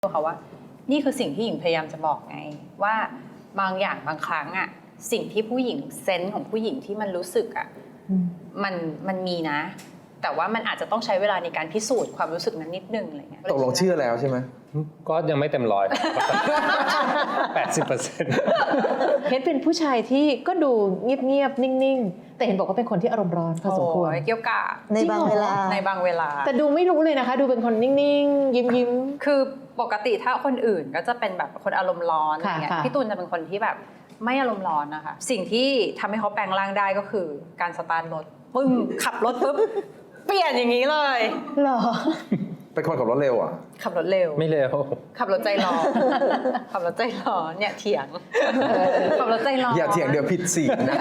เขาว่านี่คือสิ่งที่หญิงพยายามจะบอกไงว่าบางอย่างบางครั้งอะสิ่งที่ผู้หญิงเซนส์ของผู้หญิงที่มันรู้สึกอะมันมีนะแต่ว่ามันอาจจะต้องใช้เวลาในการพิสูจน์ความรู้สึกนั้นนิดนึงอะไรเงี้ยตกลงเชื่อแล้วใช่ไหมก็ยังไม่เต็มร้อย80% เพชรเป็นผู้ชายที่ก็ดูเงียบๆนิ่งๆแต่เห็นบอกว่าเป็นคนที่อารมณ์ร้อนพอสมควรเกี่ยวกับในบางเวลาแต่ดูไม่รู้เลยนะคะดูเป็นคนนิ่งๆยิ้มๆคือปกติถ้าคนอื่นก็จะเป็นแบบคนอารมณ์ร้อนอะไรเงี้ยพี่ตูนจะเป็นคนที่แบบไม่อารมณ์ร้อนนะคะสิ่งที่ทำให้เขาแปลงร่างได้ก็คือการสตาร์ทรถปึ้งขับรถปุ๊บเปลี่ยนอย่างนี้เลยหรอเป็นคนขับรถเร็วอ่ะขับรถเร็วไม่เร็วขับรถใจร้อนขับรถใจร้อนเนี่ยเถียงขับรถใจร้อนอย่าเถียงเดี๋ยวผิดสีนะ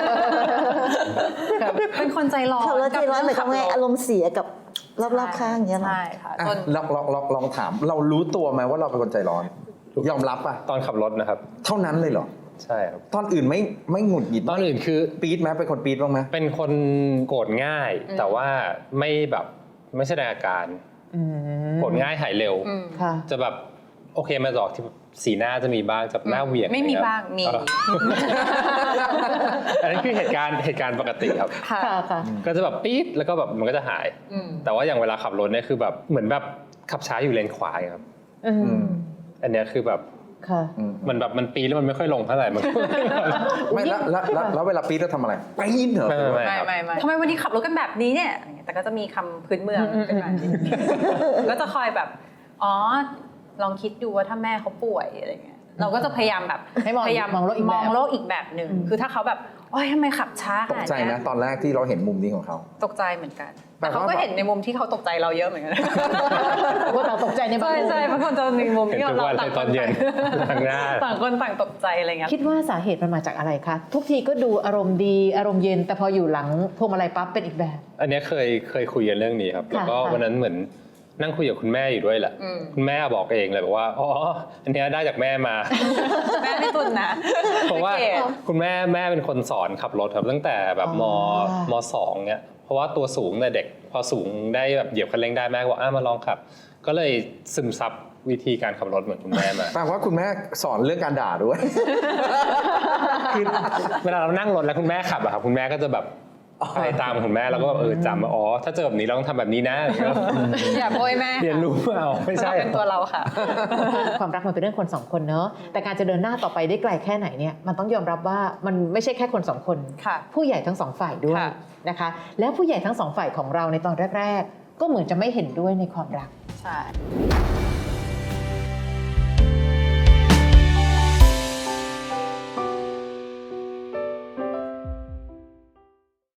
เป็นคนใจร้อนขับรถใจร้อนหมายความว่าอารมณ์เสียกับรอบๆข้างอย่างเงี้ยหรอใช่ค่ะลองถามเรารู้ตัวไหมว่าเราเป็นคนใจร้อนยอมรับป่ะตอนขับรถนะครับเท่านั้นเลยเหรอใช่ครับตอนอื่นไม่หงุดหงิดตอนอื่นคือปี๊ดไหมเป็นคนปี๊ดบ้างไหมเป็นคนโกรธง่ายแต่ว่าไม่แสดงอาการโกรธง่ายหายเร็วจะแบบโอเคมาบอกที่สีหน้าจะมีบ้างจะหน้าเหวี่ยงไม่มีบ้างมีอันนั้นคือเหตุการณ์ปกติครับก็จะแบบปี๊ดแล้วก็แบบมันก็จะหายแต่ว่าอย่างเวลาขับรถเนี่ยคือแบบเหมือนแบบขับช้าอยู่เลนขวาครับอันนี้คือแบบมันแบบมันปีแล้วมันไม่ค่อยลงเท่าไหร่มันไม่แล้วเวลาปีแล้วทำอะไรปีเหรอไม่ทำไมวันนี้ขับรถกันแบบนี้เนี่ยแต่ก็จะมีคำพื้นเมืองขึ้นมาก็จะคอยแบบอ๋อลองคิดดูว่าถ้าแม่เขาป่วยอะไรเงี้ยเราก็จะพยายามแบบพยายามมองโลกอีกแบบหนึ่งคือถ้าเขาแบบโอ๊ยทำไมขับช้าตกใจนะตอนแรกที่เราเห็นมุมนี้ของเขาตกใจเหมือนกันแต่เขาก็เห็นในมุมที่เขาตกใจเราเยอะเหมือนกันว่าเราตกใจในบางมุมใช่บางคนจะมีมุมที่เราต่างคนต่างคนต่างตกใจอะไรเงี้ยคิดว่าสาเหตุมันมาจากอะไรคะทุกทีก็ดูอารมณ์ดีอารมณ์เย็นแต่พออยู่หลังพวงมาลัยปั๊บเป็นอีกแบบอันนี้เคยคุยกันเรื่องนี้ครับแล้วก็วันนั้นเหมือนนั่งคุยกับคุณแม่อยู่ด้วยแหละคุณแม่บอกเองเลยบอกว่าอ๋ออันนี้ได้จากแม่มาแม่ไม่ตุนนะเพราะว่าคุณแม่เป็นคนสอนขับรถครับตั้งแต่แบบม.2 เนี่ยเพราะว่าตัวสูงแต่เด็กพอสูงได้แบบเหยียบคันเร่งได้แม่บอกมาลองขับก็เลยซึมซับวิธีการขับรถเหมือนคุณแม่มาแปลว่าคุณแม่สอนเรื่องการด่าด้วยคือเวลาเรานั่งรถแล้วคุณแม่ขับอะครับคุณแม่ก็จะแบบไปตามคุณแม่แล้วก็จำอ๋อถ้าเจอแบบนี้เราต้องทำแบบนี้นะอย่าโวยแม่เรียนรู้เอาไม่ใช่เป็นตัวเราค่ะความรักมันเป็นเรื่องคนสองคนเนอะแต่การจะเดินหน้าต่อไปได้ไกลแค่ไหนเนี่ยมันต้องยอมรับว่ามันไม่ใช่แค่คนสองคนผู้ใหญ่ทั้งสองฝ่ายด้วยนะคะแล้วผู้ใหญ่ทั้งสองฝ่ายของเราในตอนแรกๆก็เหมือนจะไม่เห็นด้วยในความรักใช่